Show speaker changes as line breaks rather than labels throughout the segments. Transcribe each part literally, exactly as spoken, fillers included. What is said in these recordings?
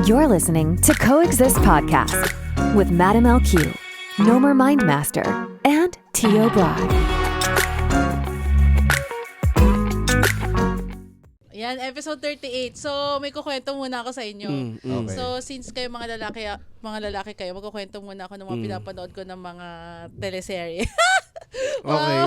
You're listening to Coexist Podcast with Madam L Q, Nomer Mindmaster, and Tio Brad.
Yan, episode thirty-eight. So, may kukwento muna ako sa inyo.
Mm, mm.
Okay.
So, since kayo mga lalaki, mga lalaki kayo, magkukwento muna ako ng mga
Mm.
pinapanood ko ng mga teleserye.
Okay.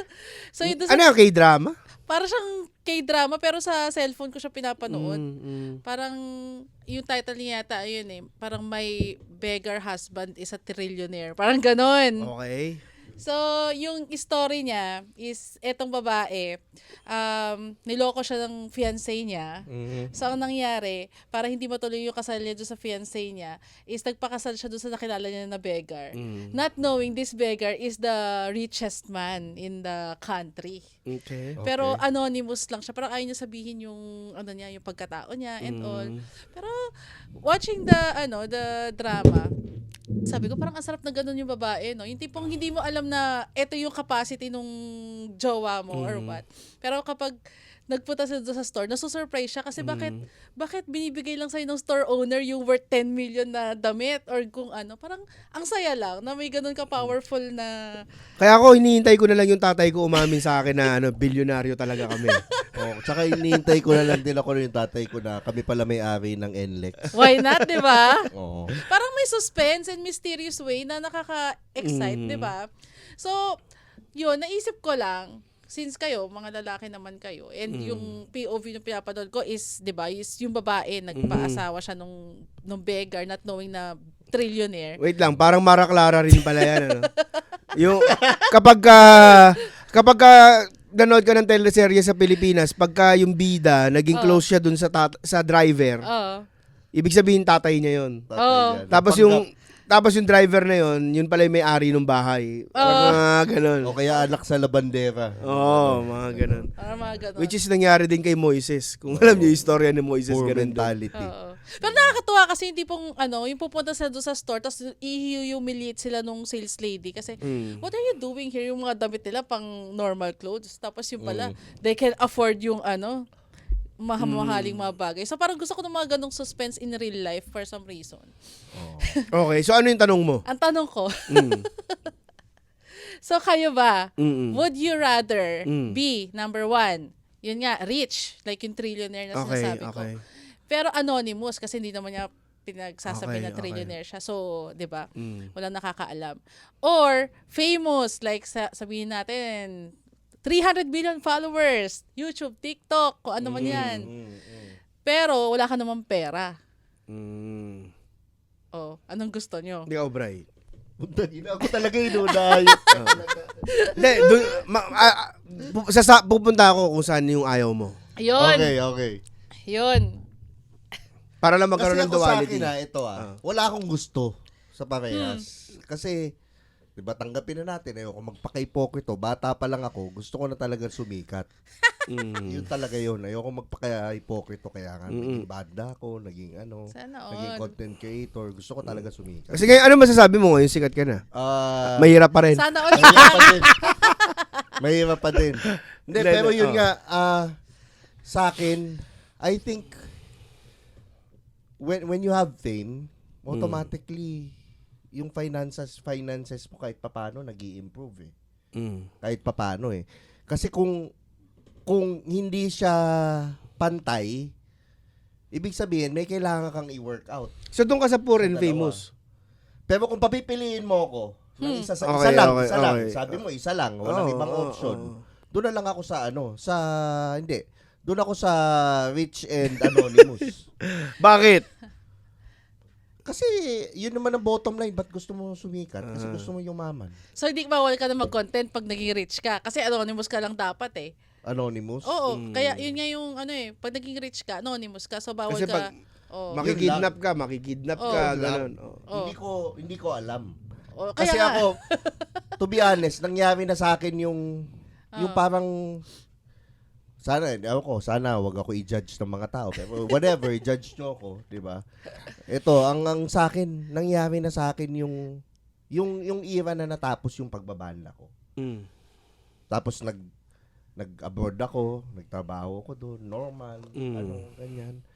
So, yun doon sa,
Ano yung K-drama?
para siyang K-drama, pero sa cellphone ko siya pinapanood.
Mm, mm.
Parang, yung title niya yata, ayun eh, parang my beggar husband is a trillionaire. Parang ganon.
Okay.
So, yung story niya is, etong babae, um, niloko siya ng fiancé niya.
Mhm.
So, ang nangyari, para hindi matuloy yung kasal niya doon sa fiancé niya, is nagpakasal siya doon sa nakilala niya na beggar.
Mm.
Not knowing this beggar is the richest man in the country.
Okay.
Pero anonymous lang siya. Parang ayaw niya sabihin yung, ano niya, yung pagkatao niya and all.
Mm.
Pero, watching the, ano, the drama, sabi ko, parang ang sarap na ganun yung babae, no? Yung tipong hindi mo alam na ito yung capacity nung jowa mo or
Mm.
what. Pero kapag nagpunta sila doon sa store, nasusurprise siya kasi bakit
Mm.
bakit binibigay lang sa'yo ng store owner yung worth ten million na damit or kung ano. Parang ang saya lang na may ganun ka-powerful na...
Kaya ako, hinihintay ko na lang yung tatay ko umamin sa akin na ano, bilyonaryo talaga kami.
Oh, tsaka inihintay ko na lang din ako yung tatay ko na kami pala may-ari ng N L E X.
Why not, di ba?
Oo.
Parang may suspense and mysterious way na nakaka-excite,
Mm.
di ba? So, yun, naisip ko lang, since kayo, mga lalaki naman kayo, and
Mm.
yung P O V na pinapanood ko is, di ba, is yung babae, nagpaasawa siya nung, nung beggar, not knowing na trillionaire.
Wait lang, parang Mara Clara rin pala yan. Ano? Yung, kapag ka, kapag ka, nanood ka ng teleserye sa Pilipinas, pagka yung bida, naging
Oh.
close siya dun sa, tat- sa driver,
Oo.
ibig sabihin tatay niya yon.
Tatay
Oo.
niya.
Tapos
Napanggap.
yung, tapos yung driver na yon, yun pala yung may-ari ng bahay. Parang mga ganun.
O kaya anak sa labandera.
Oo, mga ganun.
Parang mga ganun.
Which is nangyari din kay Moises. Kung alam niyo yung istorya ni Moises,
Poor
ganun din.
mentality.
Oo. Pero nakakatuwa kasi hindi pong ano, yung pupunta sila doon sa store tapos i-humiliate sila nung sales lady kasi
Mm.
what are you doing here? Yung mga damit nila pang normal clothes. Tapos yung pala,
Mm.
they can afford yung ano, mahamahaling mga bagay. So parang gusto ko ng mga ganong suspense in real life for some reason.
Okay, so ano yung tanong mo?
Ang tanong ko,
Mm.
so kayo ba,
Mm-mm.
would you rather
Mm.
be, number one, yun nga, rich, like yung trillionaire na
Okay,
sinasabi ko.
okay.
Pero anonymous kasi hindi naman niya pinagsasabi
Okay,
na
okay.
trillionaire siya. So, 'di ba?
Mm.
Walang nakakaalam. Or famous like sa, sabihin natin three hundred million followers, YouTube, TikTok, kung ano man 'yan.
Mm, mm.
Pero wala ka namang pera.
Mm.
Oh, anong gusto nyo?
Hindi ka, Obray.
Punta ina ako talaga inunayo.
Hindi, dun, ma, ah, ah, pu- sasa, pupunta ako kung saan yung ayaw mo.
Ayun.
Okay, okay.
Yun.
Para lang
Kasi
magkaroon ng
ako sa
duality.
akin, ah, ito ah,
Ah.
wala akong gusto sa parehas. Kasi, di ba, tanggapin na natin, ayoko magpaka-hypocrite. Bata pa lang ako, gusto ko na talaga sumikat.
Mm.
Yun talaga yun. Ayoko magpaka-hypocrite. Kaya nga,
Mm-mm.
naging banda ako, naging ano,
Sana
naging
all.
content creator. Gusto ko talaga sumikat.
Kasi ngayon, ano masasabi mo ngayon? Sikat ka na.
Ah,
Mahirap pa rin.
Sana all.
mahirap pa din. Mahirap pa din. Hindi,
Hindi,
pero
hindi,
yun
oh.
nga, ah, sa akin, I think, when when you have fame, automatically, yung finances, finances mo kahit papano, nag improve eh.
Mm.
Kahit papano eh. Kasi kung, kung hindi siya pantay, ibig sabihin, may kailangan kang i-workout.
So doon ka sa poor and
Dalawa.
famous.
Pero kung papipiliin mo ako, ng isa, sa, isa
Okay,
lang,
okay,
isa lang.
okay.
Sabi mo, isa lang. Walang
Oo,
ibang
oo,
option.
oo.
Doon na lang ako sa ano, sa, hindi. Doon ako sa rich and anonymous.
Bakit?
Kasi, yun naman ang bottom line. Ba't gusto mo sumikat? Kasi
Ah.
gusto mo yumaman.
So, hindi bawal ka na mag-content pag naging rich ka. Kasi anonymous ka lang dapat eh.
Anonymous?
Oo,
Mm.
kaya yun nga yung ano eh, pag naging rich ka, anonymous ka, so bawal
Kasi
ka.
pag
Oh.
makikidnap ka, makikidnap
Oo.
ka,
Yun lang.
ganun. Oh.
Oh.
Hindi ko, hindi ko alam.
Oh, kaya
Kasi
nga.
ako, to be honest, nangyari na sa akin yung, yung
Ah.
parang, sana, ewan ko, sana wag ako i-judge ng mga tao. Pero whatever, i-judge nyo ako, di ba? Ito, ang, ang sa akin, nangyari na sa akin yung, yung, yung era na natapos yung pagbabala ko.
Mm.
Tapos nag, nag-abroad ako, nagtrabaho ko doon, normal,
Mm.
ano, ganyan.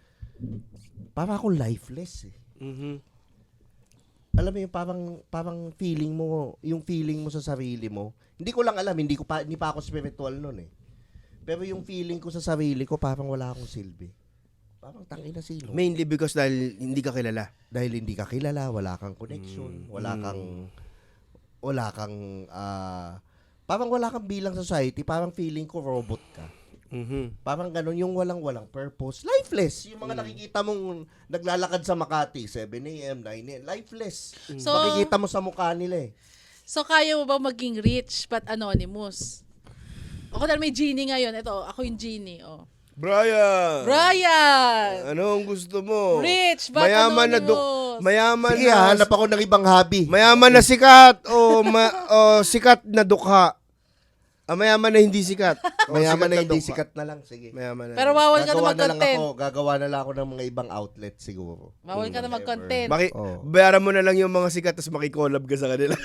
parang akong lifeless eh.
Mhm.
Alam mo yung parang, parang feeling mo, yung feeling mo sa sarili mo, hindi ko lang alam, hindi ko pa, hindi pa ako spiritual nun eh. Pero yung feeling ko sa sarili ko, parang wala akong silbi. Parang tangina sino.
Mainly because dahil hindi ka kilala.
Dahil hindi ka kilala, wala kang connection,
Mm.
wala
Mm.
kang, wala kang, ah, parang wala kang bilang society, parang feeling ko robot ka.
Mhm.
Parang ganun, yung walang-walang purpose. Lifeless. Yung mga nakikita mong naglalakad sa Makati, seven a.m., nine a.m., lifeless.
So,
Makikita mo sa mukha nila eh.
so kaya mo ba maging rich but anonymous? Ako dahil may genie ngayon. Ito, ako yung genie. Oh.
Brian!
Brian!
Ano ang gusto mo?
Rich but
Mayaman na
anonymous.
duk- mayaman
Sige,
na
hanap ako ng ibang hobby.
mayaman na sikat o ma- o sikat na dukha. Ah, mayaman na hindi sikat. O
Mayaman na hindi
dukha.
sikat na lang. Sige.
Mayaman na.
Pero bawal ka na
Gagawa na lang
mag-content.
ako, gagawa na lang ako ng mga ibang outlet siguro.
Bawal ka na
Whatever.
mag-content.
Maki-
Oh.
bayaran mo na lang yung mga sikat tapos makikollab ka sa kanila.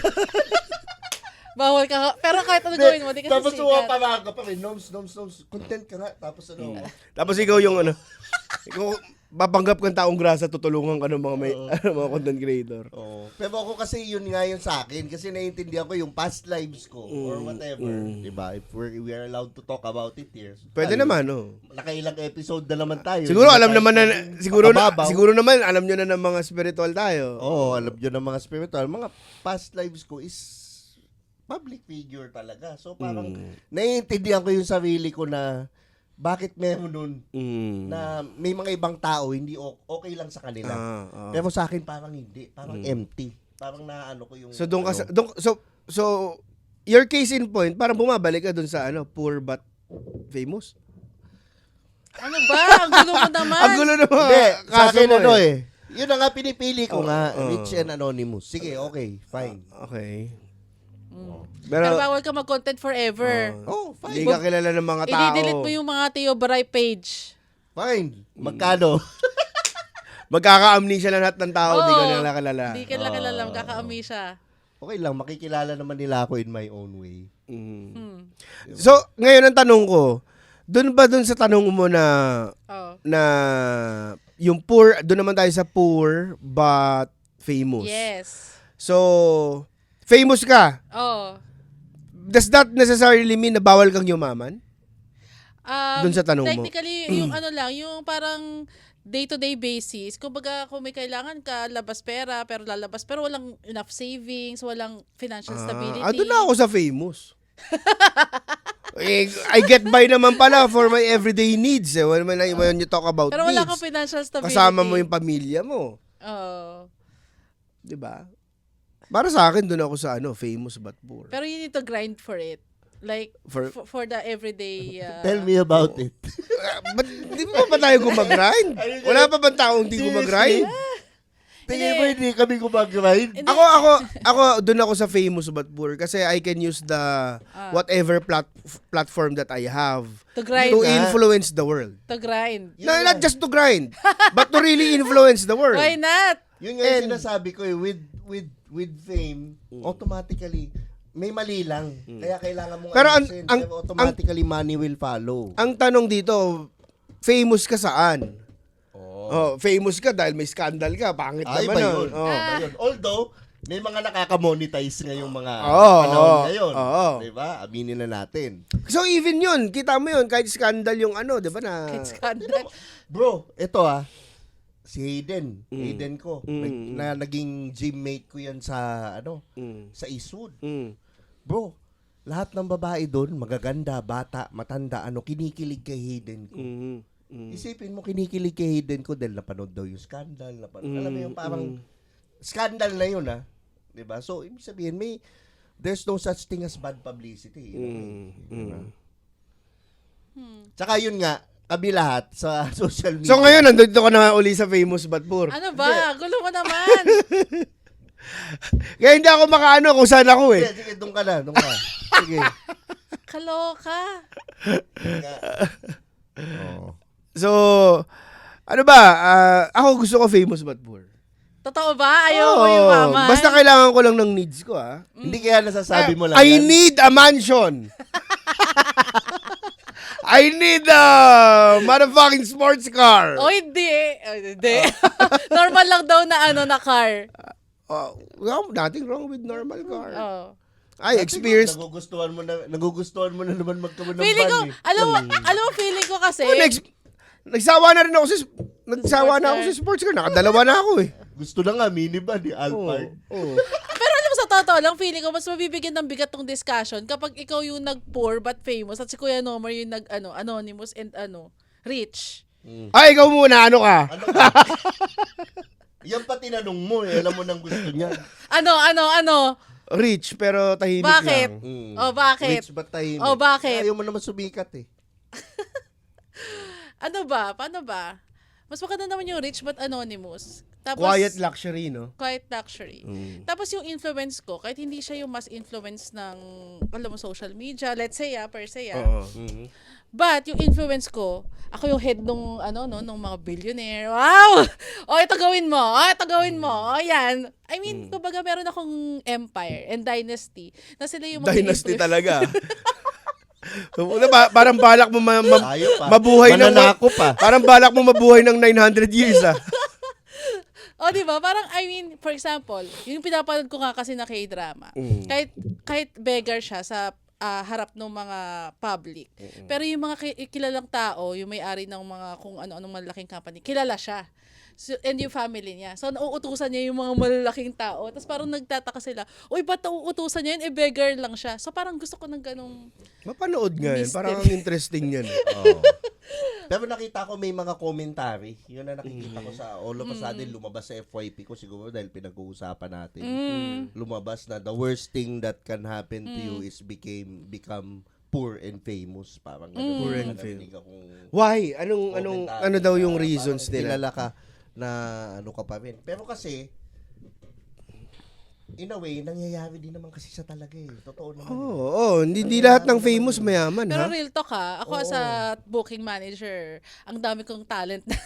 Bawal ka. Pero kahit ano gawin mo, di ka
Tapos
sisikat.
uwa pa pa rin. Noms, noms, noms. Content ka nga. Tapos ano.
Tapos ikaw yung ano, ikaw babanggap kang taong grasa, tutulungan ka ng mga may ano, mga content creator.
Oo. Pero ako kasi yun nga yun sa akin. Kasi naiintindihan ko yung past lives ko or
Mm,
whatever.
mm.
Diba? If we're, we are allowed to talk about it here.
Pwede
Tayo,
naman, no.
Nakailang episode na naman tayo.
Siguro
Hindi
alam
tayo
naman na
pwedeng
siguro na,
makababaw.
siguro naman alam niyo na ng mga spiritual tayo.
Oo, alam nyo ng mga spiritual. Mga past lives ko is public figure talaga. So parang
Mm.
naiintindihan ko yung sarili ko na bakit meron nun
Mm.
na may mga ibang tao hindi o- okay lang sa kanila.
Ah, ah.
Pero sa akin parang hindi. Parang
Mm.
empty. Parang naano ko yung
So doon ka sa,
ano.
doon- so so your case in point, parang bumabalik ka doon sa ano, poor but famous.
Ano ba? Ang gulo mo naman.
Ang gulo naman.
Hindi, sa
kaso
akin
mo
ano eh. Yun na nga pinipili ko
Oh,
nga,
oh.
rich and anonymous. Sige, okay, fine.
Okay.
Mm.
Pero,
Pero bawal ka mag-content forever.
oh,
Oh, fine.
hindi ka kilala ng mga tao.
I-delete mo yung mga Teo Baray page.
Fine. Magkano?
Magkaka-amnesia na lahat ng tao, hindi ka
Oo.
nila kilala.
Hindi ka lang kilala. Magkakaami siya.
Okay lang, makikilala naman nila ako in my own way.
Mm.
Hmm.
So, ngayon ang tanong ko, doon ba doon sa tanong mo na
Oh.
na yung poor, doon naman tayo sa poor but famous.
Yes.
So, famous ka.
Oh.
Does that necessarily mean na bawal kang yumaman?
Um,
Dun sa tanong mo.
technically, yung ano lang, yung parang day-to-day basis, kumbaga kung may kailangan ka, labas pera, pero lalabas, pero walang enough savings, walang financial stability.
Ah, doon na ako sa famous. eh, I get by naman pala for my everyday needs. Eh. When, when, I- when you talk about
Pero wala
needs,
kang financial stability.
kasama mo yung pamilya mo.
Oo.
'Di ba? Para sa akin, doon ako sa ano, famous but poor.
Pero you need to grind for it. Like,
For-
for, for the everyday... Uh,
Tell me about it.
Uh, Ba't di ba pa tayo gumagrind? Wala pa bang taong hindi gumagrind?
Tingin mo hindi kami gumagrind?
Hindi.
Ako, ako, ako, doon ako sa famous but poor kasi I can use the
Ah.
whatever plat- platform that I have
To grind.
to
nga.
influence the world.
To grind.
Yun
No,
nga.
not just to grind, but to really influence the world.
Why not?
Yun nga yung
And-
sinasabi ko eh, with, with, with fame, automatically, may mali lang. Kaya kailangan mong
Pero ang-
ayusin.
ang-
Pero automatically, money will follow.
Ang tanong dito, famous ka saan?
Oh.
Oh, famous ka dahil may scandal ka, pangit
Ay,
naman
ba
nun.
yun?
Oh.
Ba yun? Although, may mga nakaka-monetize ngayong mga
Oo,
panahon
oo,
ngayon.
oo.
Diba? Aminin na natin.
So even yun, kita mo yun, kahit scandal yung ano, di ba na?
It's scandal.
Bro, ito ah. Si Hayden.
Mm.
Hayden ko.
Mm,
Nag-
mm.
na naging gymmate ko yan sa, ano,
Mm,
sa Eastwood.
mm.
Bro, lahat ng babae doon, magaganda, bata, matanda, ano, kinikilig kay Hayden ko.
Mm, mm.
Isipin mo, kinikilig kay Hayden ko dahil napanood daw yung scandal. Napanood, alam mo yung parang
mm.
scandal na yun, ah. Diba? So, ibig sabihin, may, there's no such thing as bad publicity. you know,
Mm,
eh.
mm.
Hmm.
Tsaka yun nga, kami lahat sa social media.
So ngayon, nandito ka na uli sa famous but poor.
Ano ba? Gulo mo naman.
Kaya hindi ako makaano kung saan ako eh.
Sige, sige, doon ka na, doon ka. Sige.
Kaloka.
Oo.
So, ano ba, ah, ako gusto ko famous but poor.
Totoo ba? Ayaw mo
Oo,
yung mama?
Basta kailangan ko lang ng needs ko ah.
Hindi kaya nasasabi mo lang
I
yan?
need a mansion. I need a motherfucking sports car.
O hindi. O, hindi. Normal lang daw na ano na car.
Uh, well, nothing wrong with normal car.
Oh.
I experienced...
Nagugustuhan mo na, nagugustuhan mo na naman magkaroon ng
Feeling ko,
van, eh.
alam mo, alam mo, feeling ko kasi,
Oh, next, nagsawa na rin ako sa... Nagsawa na ako
car.
sa sports car. Nakadalawa na ako eh.
Gusto na nga, minivan, eh, Alphard.
Oh.
pero alam mo sa totoo lang, feeling ko, mas mabibigyan ng bigat tong discussion kapag ikaw yung nag-poor but famous at si Kuya Nomer yung nag, ano, anonymous and ano, rich.
Ay, ikaw muna. Ano ka?
Ano ka? Yan pa tinanong mo, eh. Alam mo nang gusto niya.
Ano, ano, ano?
Rich, pero tahimik
Bakit?
lang.
Mm.
Oh, bakit?
Rich but tahimik.
Oh, bakit?
Ayaw mo naman sumikat, eh.
Ano ba? Paano ba? Mas maganda naman yung rich but anonymous. Tapos,
Quiet luxury, no?
quiet luxury. Tapos yung influence ko, kahit hindi siya yung mas influence ng, alam mo, social media, let's say, ah, per se, ah.
Oo.
But, yung influence ko, ako yung head nung, ano, no, nung mga billionaire. Wow! O, ito gawin mo. O, ito gawin mo. O, yan. I mean, kumbaga, meron akong empire and dynasty na sila yung
Dynasty
mag-influence.
talaga. Una, ba- parang balak mo ma- ma-
Ayaw pa.
mabuhay ng...
Mananako pa.
Parang balak mo mabuhay ng nine hundred years, ah.
O, di ba? Parang, I mean, for example, yung pinapanood ko nga kasi na K-drama, kahit, kahit beggar siya sa ah, harap ng mga public, pero yung mga ki- kilalang tao, yung may-ari ng mga kung ano-anong malaking company, kilala siya. So, and yung family niya. So, nauutusan niya yung mga malalaking tao. Tapos parang nagtataka sila, uy, ba't nauutusan niya yun? Eh, beggar lang siya. So, parang gusto ko ng ganong...
Mapanood nga yun.
Mystery.
Parang ang interesting yan.
Oo. Pero nakita ko may mga commentary. Yun na nakikita ko sa all of a sudden lumabas sa F Y P ko siguro dahil pinag-uusapan natin. Lumabas na the worst thing that can happen to you is became become poor and famous. Parang ganun.
Poor and
Narinig
famous.
akong
Why? Anong, anong,
commentary
ano daw
na
yung reasons
parang
nila?
kilala ka na ano ka pa rin. Pero kasi, in a way, nangyayari din naman kasi sa talaga eh. Totoo naman.
Oo,
eh.
oh, hindi, hindi lahat ng famous mayaman,
Pero
ha?
real talk ha, ako
Oo.
as a booking manager, ang dami kong talent na,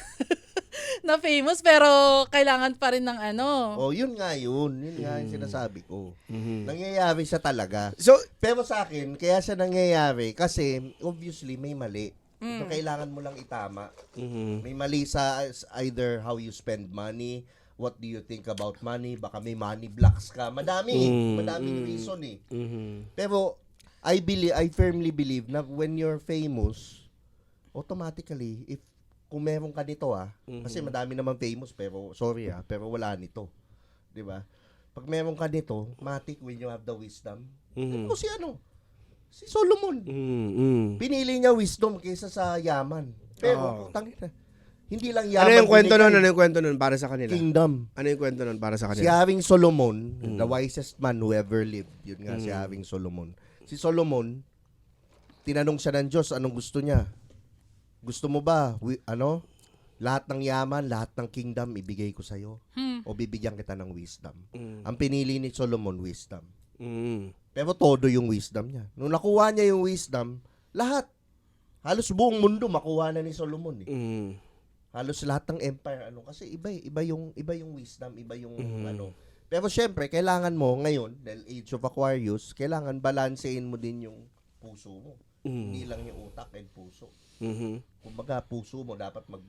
na famous, pero kailangan pa rin ng ano.
Oh, yun nga yun. Yun nga yung sinasabi ko.
Mhm.
Nangyayari siya talaga.
So,
Pero sa akin, kaya siya nangyayari kasi obviously may mali. So, kailangan mo lang itama.
mhm.
May mali sa either how you spend money, what do you think about money, baka may money blocks ka. Madami,
Mm,
madaming
mm.
reason eh.
Mhm.
Pero I believe, I firmly believe na when you're famous, automatically, if kung meron ka nito ah, kasi madami naman famous pero sorry ah, pero wala nito. 'Di ba? Pag meron ka nito, matik when you have the wisdom.
Mhm.
O si ano? Si Solomon.
Mhm.
Pinili niya wisdom kaysa sa yaman. Pero,
Oo.
tangina. Hindi lang yaman.
Ano yung kwento
binigay.
nun? Ano yung kwento nun para sa kanila?
Kingdom.
Ano yung kwento nun para sa
Si
kanila?
Haring Solomon, the wisest man who ever lived. Yun nga, si Haring Solomon. Si Solomon, tinanong siya ng Diyos, anong gusto niya? Gusto mo ba, wi- ano, lahat ng yaman, lahat ng kingdom, ibigay ko sa'yo? O bibigyan kita ng wisdom? Ang pinili ni Solomon, wisdom.
Mhm.
Pero todo yung wisdom niya. Nung nakuha niya yung wisdom, lahat. Halos buong mundo makuha na ni Solomon eh.
Mhm.
Halos lahat ng empire ano kasi iba eh, iba yung iba yung wisdom, iba yung ano. Pero syempre, kailangan mo ngayon, dahil Age of Aquarius, kailangan balansein mo din yung puso mo. Hindi lang yung utak and puso.
Mhm.
Kumbaga, puso mo dapat mag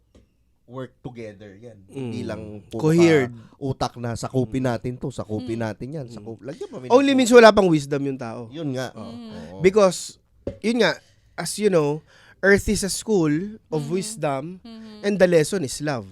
work together yan. Hindi lang puro
Cohered.
ka utak na sakupin natin to, sakupin natin yan. Sakup, lagyan mo.
Only means wala pang wisdom yung tao.
Yun nga. Oo.
Because, yun nga, as you know, Earth is a school of wisdom and the lesson is love.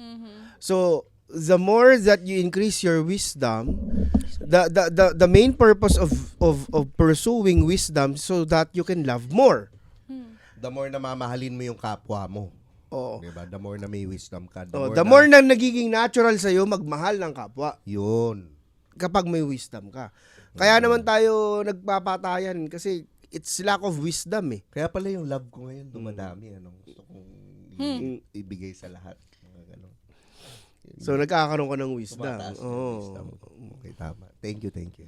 So, the more that you increase your wisdom, the the the, the main purpose of, of of pursuing wisdom so that you can love more.
The more na mamahalin mo yung kapwa mo.
Oo.
Diba? The more na may wisdom ka. The
Oh,
more
the
na,
more na nagiging natural sa iyo magmahal ng kapwa
Yun.
kapag may wisdom ka. Kaya naman tayo nagpapatayan kasi it's lack of wisdom eh.
Kaya pala yung love ko ngayon dumadami. Ano, gusto kong i- ibigay sa lahat. Mga ganun.
So nagkakaroon ka ng wisdom.
Tumataas yung
Oo.
wisdom. Okay, tama. Thank you, thank you.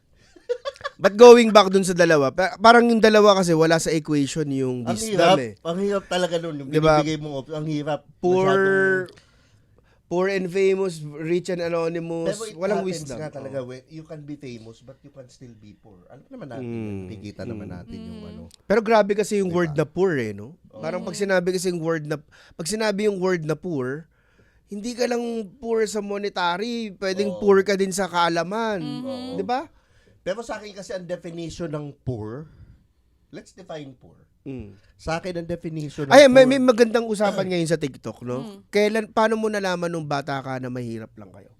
But going back dun sa dalawa, pa- parang yung dalawa kasi wala sa equation yung
Ang
wisdom
hirap,
eh.
ang hirap talaga nun. Yung
Diba?
binibigay mo, ang hirap.
Poor
Masyadong-
poor and famous, rich and anonymous,
Pero it
walang
happens
wisdom.
nga talaga,
Oo.
when you can be famous but you can still be poor. Alam naman natin,
Mm.
yun. Nakikita naman natin yung ano.
Pero grabe kasi yung
Diba?
word na poor eh, no? Parang pag sinabi kasi yung word na, pag sinabi yung word na poor, hindi ka lang poor sa monetary, pwedeng
Oo.
poor ka din sa kaalaman.
Oo.
Di ba?
Pero sa akin kasi ang definition ng poor, let's define poor.
Mm.
Sa akin ang definition ng
Ay,
poor,
may, may magandang usapan ngayon sa TikTok, no? Kailan, paano mo nalaman nung bata ka na mahirap lang kayo?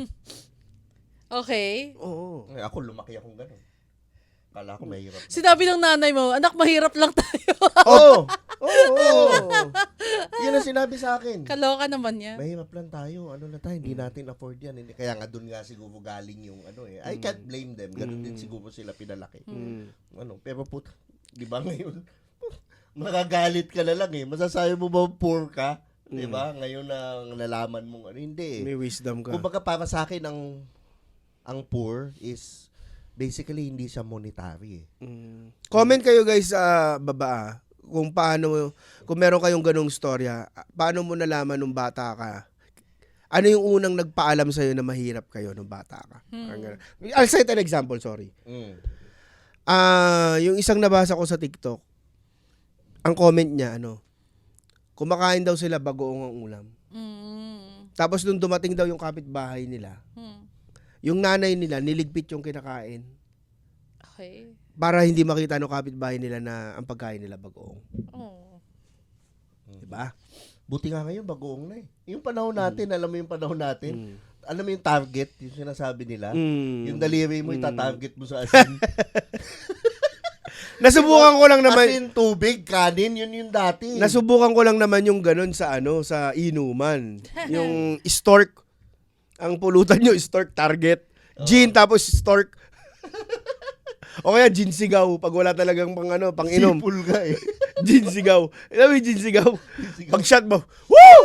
Okay.
Oo.
Ay, ako lumaki akong ganun. Kala ko mahirap.
Sinabi ng nanay mo, anak, mahirap lang tayo.
Oo! Oo! Oo! Yun ang sinabi sa akin.
Kaloka naman yan.
Mahirap lang tayo. Ano na tayo, hindi natin afford yan. Hindi, kaya nga doon nga siguro galing yung ano eh. I can't blame them. Ganun din siguro sila pinalaki.
Mm.
Ano, pero puta, di ba ngayon, magagalit ka na lang eh. Masasabi mo ba poor ka? Di ba? Ngayon na nalaman mo, ano, hindi eh.
May wisdom ka.
Kumbaga para sa akin, ang, ang poor is basically hindi siya monetary eh.
Mm. Comment kayo guys sa baba ah, kung paano, kung meron kayong ganong storya, paano mo nalaman nung bata ka? Ano yung unang nagpaalam sa'yo na mahirap kayo nung bata ka? Parang ganun. I'll cite an example, sorry.
Mm.
Ah, yung isang nabasa ko sa TikTok, ang comment niya, ano, kumakain daw sila bagoong ang ulam.
Mm.
Tapos nung dumating daw yung kapitbahay nila,
Mm.
yung nanay nila niligpit yung kinakain
Okay.
para hindi makita ng kapitbahay nila na ang pagkain nila bagoong.
Oh.
Diba?
Buti nga ngayon, bagoong na eh. Yung panahon natin, alam mo yung panahon natin,
Mm.
alam mo yung target, yung sinasabi nila,
Mm.
yung daliri mo, itatarget mo sa asin.
Nasubukan ko lang naman,
Asin, tubig, kanin, yun yung dati.
nasubukan ko lang naman yung ganun sa ano, sa inuman. Yung stork. Ang pulutan nyo, stork target. Gin, tapos stork. O kaya gin sigaw, pag wala talagang pang ano, pang inom.
Sipul ka eh.
Gin sigaw. Alam mo yung gin sigaw? Pag shot mo, woo!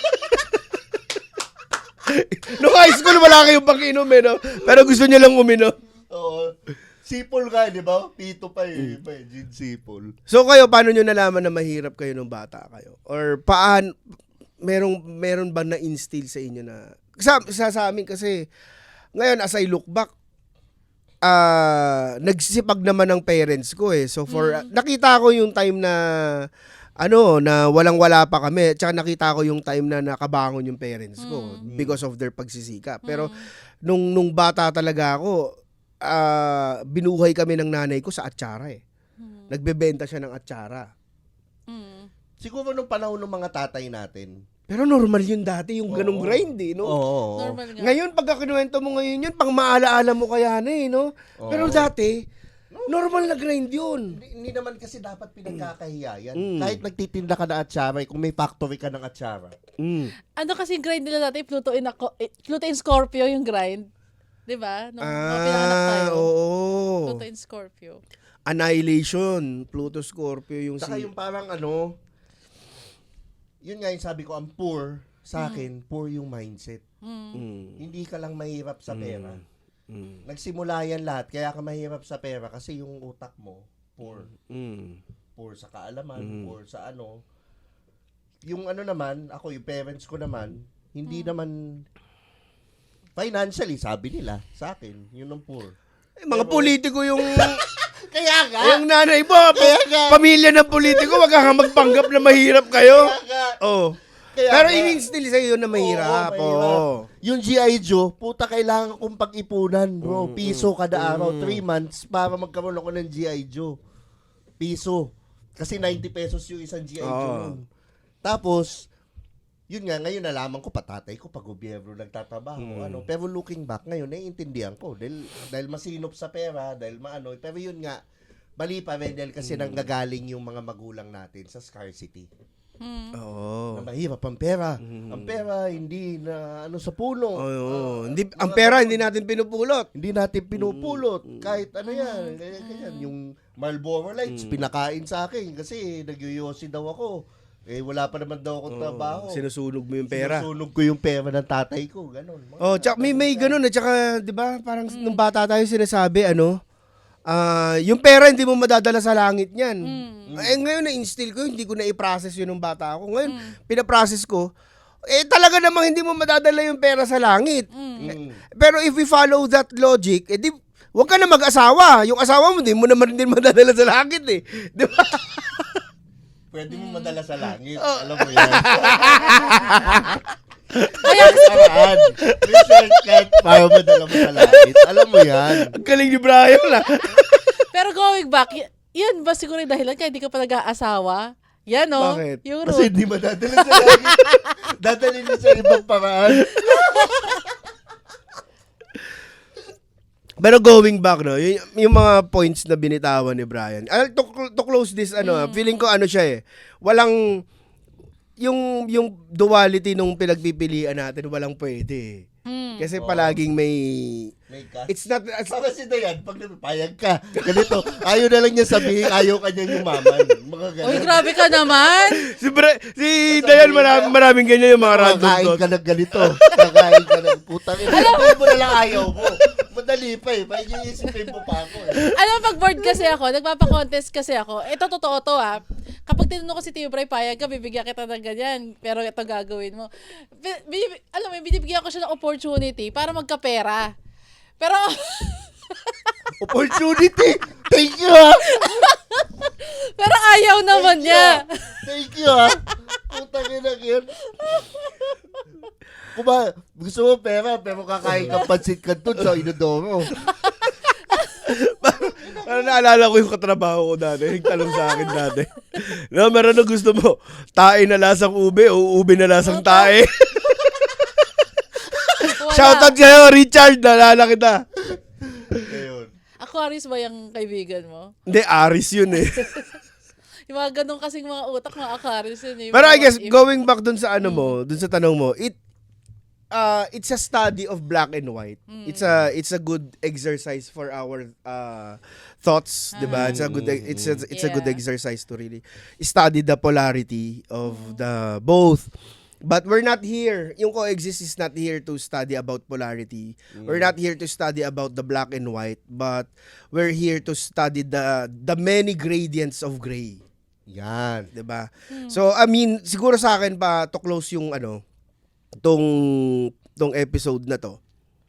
No high school, wala kayong pang inom eh, no? Pero gusto nyo lang uminom.
Oo. Sipol ka, di ba? Pito pa
Mm.
eh. Pa, eh. Gin sipol.
So kayo, paano nyo nalaman na mahirap kayo nung bata kayo? Or paan, merong, meron ba na-instill sa inyo na, sa, sa, sa amin kasi, ngayon as I look back, ah nagsisipag naman ng parents ko eh. So for, nakita ko yung time na, ano, na walang-wala pa kami. Tsaka nakita ko yung time na nakabangon yung parents ko because of their pagsisikap. Pero, nung, nung bata talaga ako, ah binuhay kami ng nanay ko sa atsara eh. Nagbebenta siya ng atsara.
Mm.
Siguro nung panahon ng mga tatay natin.
Pero normal yun dati, yung ganong
Oo.
grind eh, no?
Oo.
Normal nga.
Ngayon, pagka kinuwento mo ngayon yun, pang maalaala mo kaya na eh, no?
Oo.
Pero dati, normal na grind yun.
Hindi, hindi naman kasi dapat pinagkakahiya yan.
Mm.
Kahit nagtitinda ka ng atsara, eh, kung may factory ka ng atsara.
Mm.
Ano kasi grind nila dati, Pluto in, ako, eh, Pluto in Scorpio yung grind. Di ba? Nung, nung pinanganak tayo.
Ah, oo.
Pluto in Scorpio.
Annihilation, Pluto Scorpio yung
Saka
si...
yung parang ano, yun nga yung sabi ko, ang poor sa akin, poor yung mindset.
Mm.
Hindi ka lang mahirap sa pera.
Mm.
Nagsimula yan lahat, kaya ka mahirap sa pera kasi yung utak mo, poor.
Mm.
Poor sa kaalaman,
Mm.
poor sa ano. Yung ano naman, ako, yung parents ko naman, hindi naman, financially, sabi nila, sa akin, yun ang poor.
Eh, mga
Pero-
politiko yung...
Kaya nga!
yung nanay mo,
Kaya nga!
pamilya ng politiko, wag kang magpanggap na mahirap kayo.
Kaya nga!
Oh.
Kaya
Pero
nga.
in-instill sa'yo na mahirap.
Oo,
Oo.
mahirap. Yung G I. Joe, puta, kailangan kong pag-ipunan, bro. Piso kada araw, three months, para magkaroon ako ng G I. Joe. Piso. Kasi ninety pesos yung isang G I. Joe
Oo.
nun. Tapos, yun nga, ngayon nalaman ko, patatay ko, pag gobyerno nagtatrabaho, ano. Pero looking back, ngayon, naiintindihan ko. Dahil, dahil masinop sa pera, dahil maano. Pero yun nga, mali pa rin, dahil kasi nanggagaling yung mga magulang natin sa scarcity.
Oo.
Na mahirap ang pera. Ang pera, hindi na ano sa puno.
Oo.
Ah,
Hindi,
mga
ang pera,
ganun.
hindi natin pinupulot.
Hindi natin pinupulot. Kahit ano yan. Ganyan, ganyan. Yung Marlboro Lights, pinakain sa akin kasi nagyoyosi daw ako. Eh, wala pa naman daw akong trabaho.
Sinusunog mo yung pera.
Sinusunog ko yung pera ng tatay ko. Ganon. Mga
Oh, tsaka may may ganun at tsaka 'di ba, parang nung bata tayo sinasabi ano, ah, yung pera hindi mo madadala sa langit niyan. Eh ngayon na-instill ko, hindi ko na i-process yun nung bata ako. Ngayon, pina-process ko, eh talaga namang hindi mo madadala yung pera sa langit.
Mm.
Pero if we follow that logic, eh di, huwag ka na mag-asawa. Yung asawa mo, di mo naman din madadala sa langit eh. Di ba?
Pwede mo madala sa langit. Alam mo yan.
Kaya,
Paraan. May shortcut para madala mo sa langit. Alam mo yan.
Ang galing ni Brian ah.
pero going back, y- yan ba siguro yung dahilan kaya hindi ka pa nag-aasawa? Yan, no?
Bakit?
Yung
Kasi
root.
hindi madadala sa langit. Dadalhin mo sa ibang paraan.
Pero going back, no, yung, yung mga points na binitawan ni Brian. Uh, to, to close this, ano,
Mm.
ah, feeling ko ano siya eh. Walang, yung, yung duality nung pinagpipilian natin, walang pwede.
Hmm.
Kasi
Oo.
palaging may,
May ka.
it's not, it's,
Baka si Dayan, pag napapayag ka, ganito, ayaw na lang niya sabihin, ayaw ka niya yumaman. Mga ganun.
Uy, grabe ka naman.
si, Bra- si Dayan, maraming, maraming ganyan yung mga random
Kakain
thoughts.
ka ng ganito. Kakain ka ng putang ina. Alam mo na lang ayaw mo. Madali pa eh. May iisipin mo pa ako eh.
Alam mo, pag bored kasi ako, nagpapa-contest kasi ako, ito totoo to ah. Kapag tinanong ko si Tio Bray, payag ka, bibigyan kita ng ganyan, pero ito gagawin mo. Bi- bi- alam mo, binibigyan ko siya ng opportunity para magkapera. Pero,
Opportunity! Thank you ha!
pero ayaw naman niya.
Thank you ha! Putang ina yun. Kung ba, gusto mo pera, pero kakain ka pansit canton sa Inodoro.
Parang naalala ko yung katrabaho ko dati. Nagtanong sa akin dati. No, meron na gusto mo, tae na lasang ube o ube na lasang tae.
Wala.
Shoutout sa'yo, Richard. Naalala kita.
Ayun.
Aquarius ba yung kaibigan mo?
Hindi, Aris yun eh.
Yung mga ganun kasing mga utak, mga Aquarius yun. eh. Yung
Pero I
mga
guess,
what if.
going back dun sa ano mo, dun sa tanong mo, it, uh, it's a study of black and white. It's a it's a good exercise for our uh, thoughts, 'di ba? It's a good it's a, it's a good
Yeah.
exercise to really study the polarity of the both. But we're not here. Yung coexist is not here to study about polarity. We're not here to study about the black and white, but we're here to study the the many gradients of gray.
Yan.
'Di ba? So I mean, siguro sa akin pa to close yung ano tong tong episode na to.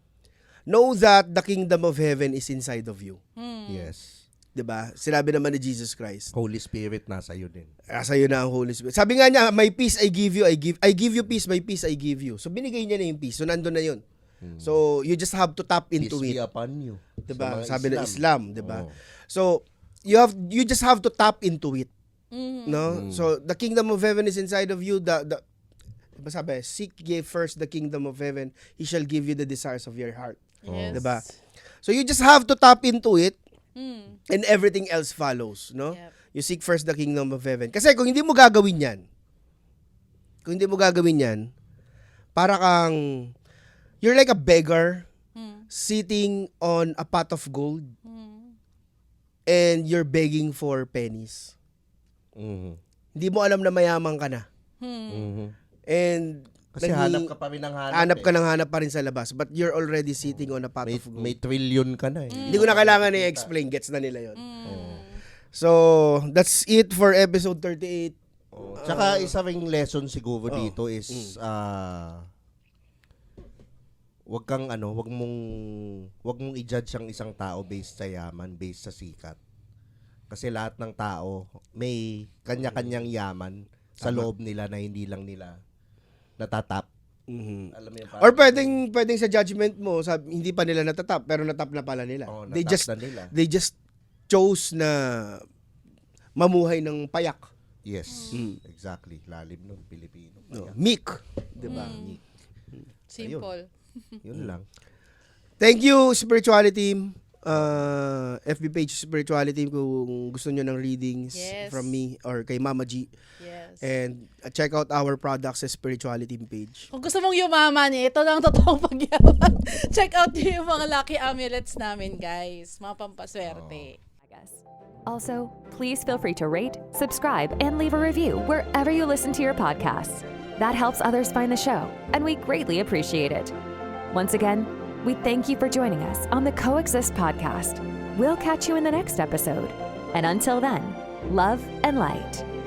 Know that the kingdom of heaven is inside of you.
Hmm.
Yes.
'Di ba? Sinabi naman ni Jesus Christ.
Holy Spirit nasa iyo din.
Asa yun na ang Holy Spirit. Sabi nga niya, my peace I give you, I give I give you peace, my peace I give you. So binigay niya na yung peace. So nandun na yun. So you just have to tap
Peace
into
be
it.
upon you.
'Di
Sa
ba?
mga
Sabi ng Islam, 'di ba?
Oo.
So you have you just have to tap into it.
Mhm.
No? So the kingdom of heaven is inside of you. The the diba sabi, seek ye first the kingdom of heaven, he shall give you the desires of your heart.
Yes.
Diba? So you just have to tap into it
Hmm.
and everything else follows, no?
Yep.
You seek first the kingdom of heaven. Kasi kung hindi mo gagawin 'yan, kung hindi mo gagawin 'yan, para kang you're like a beggar
Hmm.
sitting on a pot of gold
Hmm.
and you're begging for pennies.
Mhm.
Hindi mo alam na mayaman ka na.
Hmm.
Mhm.
And
Kasi
naging-
hanap ka pa rin ng hanap.
hanap
eh.
ka ng hanap pa rin sa labas, but you're already sitting on a pot
May,
of gold.
may trillion ka na eh.
Hindi ko na kailangan i-explain, gets na nila 'yon.
Hmm.
So, that's it for episode thirty-eight.
Oh. Tsaka isa ring lesson siguro
Oh.
dito is ah wag kang ano, wag mong wag mong i-judge ang isang tao based sa yaman, based sa sikat. Kasi lahat ng tao may kanya-kanyang yaman sa loob nila na hindi lang nila natatap.
Mhm.
Alam mo yun,
Or pwedeng pwedeng sa judgment mo, sabi, hindi pa nila natatap pero natap na pala nila.
oh,
they
natap
just
na nila.
they just chose na mamuhay ng payak.
Yes,
Mm.
exactly. Lalim nun, Pilipino.
No,
Kaya,
meek, 'di ba?
Mm. Simple.
yun lang.
Thank you spirituality team. Uh, F B page spirituality team kung gusto niyo ng readings
Yes.
from me or kay Mama G.
Yes.
And uh, check out our products sa spirituality team page.
Kung gusto mong yumaman, eh, ito lang totoong pagyaman. Check out niyo yung mga lucky amulets namin, guys. Mga pampaswerte.
Also, please feel free to rate, subscribe, and leave a review wherever you listen to your podcasts. That helps others find the show, and we greatly appreciate it. Once again, we thank you for joining us on the Coexist podcast. We'll catch you in the next episode. And until then, love and light.